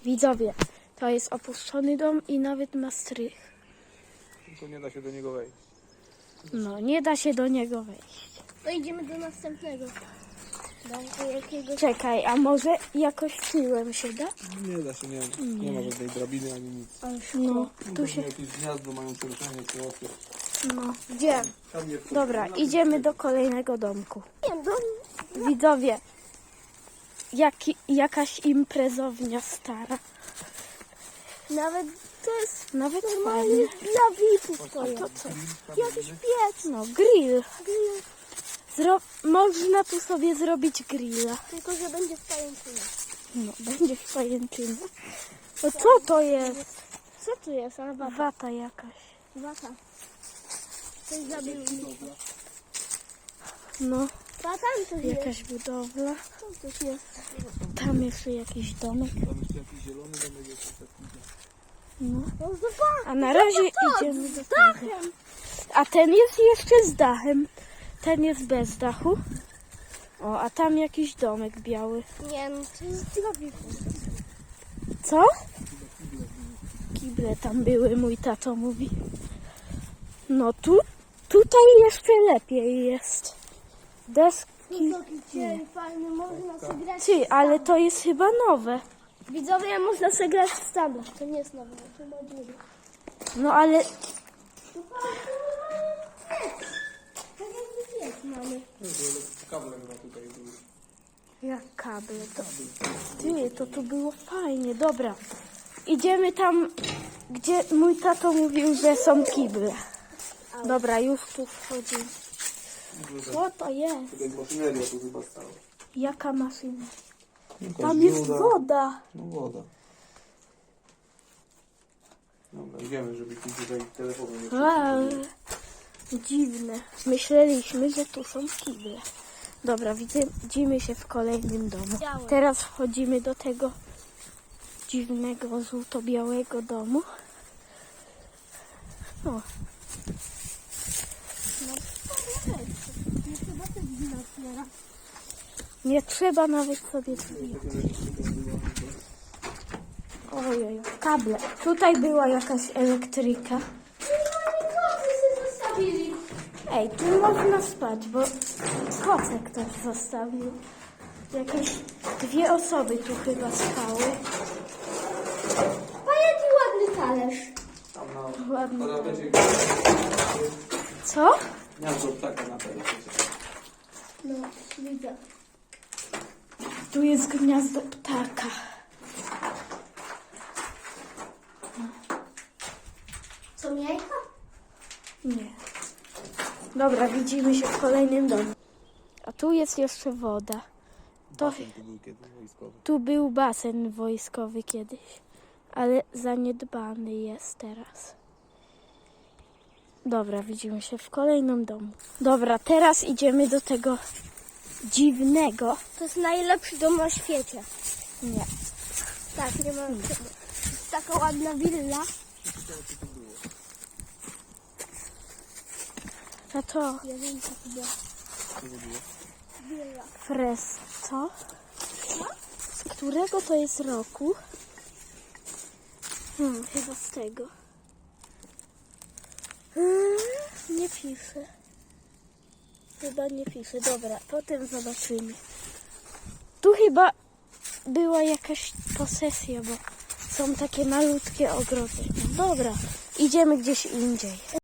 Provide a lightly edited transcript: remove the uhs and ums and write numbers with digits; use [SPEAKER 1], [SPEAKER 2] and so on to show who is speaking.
[SPEAKER 1] Widzowie, to jest opuszczony dom i nawet ma strych.
[SPEAKER 2] Tylko nie da się do niego wejść.
[SPEAKER 1] No, nie da się do niego wejść.
[SPEAKER 3] To idziemy do następnego. Do jakiegoś...
[SPEAKER 1] Czekaj, a może jakoś tyłem się da?
[SPEAKER 2] Nie da się, nie ma żadnej drabiny ani nic.
[SPEAKER 1] No, tu się...
[SPEAKER 2] Jakieś gniazdo mają przeruszenie czy osy.
[SPEAKER 1] No, gdzie?
[SPEAKER 2] Tam nie
[SPEAKER 1] Dobra, idziemy do kolejnego domku.
[SPEAKER 3] Nie,
[SPEAKER 1] Widzowie, jakaś imprezownia stara.
[SPEAKER 3] nawet to jest
[SPEAKER 1] Nawet
[SPEAKER 3] normalnie
[SPEAKER 1] fajnie.
[SPEAKER 3] dla VIP-ów to jest.
[SPEAKER 1] To co?
[SPEAKER 3] Jakiś piec.
[SPEAKER 1] No, grill. Można tu sobie zrobić grilla.
[SPEAKER 3] Tylko, że będzie w pajęczynie.
[SPEAKER 1] No, będzie w pajęczynie. No co to jest?
[SPEAKER 3] Co tu jest? A wata.
[SPEAKER 1] Wata jakaś.
[SPEAKER 3] Wata. Coś zabił mi.
[SPEAKER 1] No,
[SPEAKER 3] A tam coś jest.
[SPEAKER 1] jakaś budowla.
[SPEAKER 3] Co coś jest?
[SPEAKER 1] Tam jeszcze jakiś domek.
[SPEAKER 2] Tam jeszcze jakiś zielony domek jest taki.
[SPEAKER 1] No.
[SPEAKER 3] No zobacz.
[SPEAKER 1] A na razie idziemy do tego.
[SPEAKER 3] Dachem.
[SPEAKER 1] A ten jest jeszcze z dachem. Ten jest bez dachu. O, a tam jakiś domek biały.
[SPEAKER 3] Nie, no to jest dla VIP-ów.
[SPEAKER 1] Co? Kible tam były, mój tato mówi. No tutaj jeszcze lepiej jest. Deski.
[SPEAKER 3] Wysoki cień, fajny, można sobie grać.
[SPEAKER 1] Ty, ale to jest chyba nowe.
[SPEAKER 3] Widzowie, można sobie grać w standard. To nie jest nowe, to ma dziury.
[SPEAKER 1] No ale
[SPEAKER 3] Tak jakby piec mamy.
[SPEAKER 2] Kable chyba tutaj były.
[SPEAKER 1] jak kable to. Ty, to tu było fajnie. Dobra. Idziemy tam, gdzie mój tato mówił, że są kible. Dobra, już tu wchodzimy. Co to jest?
[SPEAKER 2] Tutaj maszyneria tu chyba stała.
[SPEAKER 1] Jaka maszyna?
[SPEAKER 2] Jakaś
[SPEAKER 1] Tam jest
[SPEAKER 2] dziura.
[SPEAKER 1] woda.
[SPEAKER 2] No woda. Dobra, idziemy, żeby ci tutaj telefonu nie
[SPEAKER 1] Wow. Dziwne. Myśleliśmy, że tu są kible. Dobra, widzimy się w kolejnym domu.
[SPEAKER 3] Białe.
[SPEAKER 1] Teraz wchodzimy do tego dziwnego, żółto-białego domu. O,
[SPEAKER 3] Nie trzeba też wina otwiera.
[SPEAKER 1] nie trzeba nawet sobie drzwi. Ojej, kable. Tutaj była jakaś elektryka.
[SPEAKER 3] Koty się zostawili.
[SPEAKER 1] Ej, tu można spać, bo koce ktoś zostawił. Jakieś 2 osoby tu chyba spały.
[SPEAKER 3] A jaki ładny talerz.
[SPEAKER 2] Tam na
[SPEAKER 1] Ładnie.
[SPEAKER 2] parapecie
[SPEAKER 1] Co?
[SPEAKER 2] gniazdo ptaka na parapecie.
[SPEAKER 3] No, widzę.
[SPEAKER 1] Tu jest gniazdo ptaka.
[SPEAKER 3] Co, jajka?
[SPEAKER 1] Nie. Dobra, widzimy się w kolejnym domu. A tu jest jeszcze woda. To,
[SPEAKER 2] Basen tu był kiedyś wojskowy.
[SPEAKER 1] tu był basen wojskowy kiedyś, ale zaniedbany jest teraz. Dobra, widzimy się w kolejnym domu. Dobra, teraz idziemy do tego dziwnego.
[SPEAKER 3] To jest najlepszy dom na świecie.
[SPEAKER 1] Nie.
[SPEAKER 3] Tak, nie ma. Jest taka ładna willa.
[SPEAKER 1] A to
[SPEAKER 3] Ja wiem, co to była. Willa.
[SPEAKER 1] Fres, co? Z którego to jest roku? Chyba z tego. Nie pisze. Chyba nie pisze. Dobra, potem zobaczymy. Tu chyba była jakaś posesja, bo są takie malutkie ogrody. Dobra, idziemy gdzieś indziej.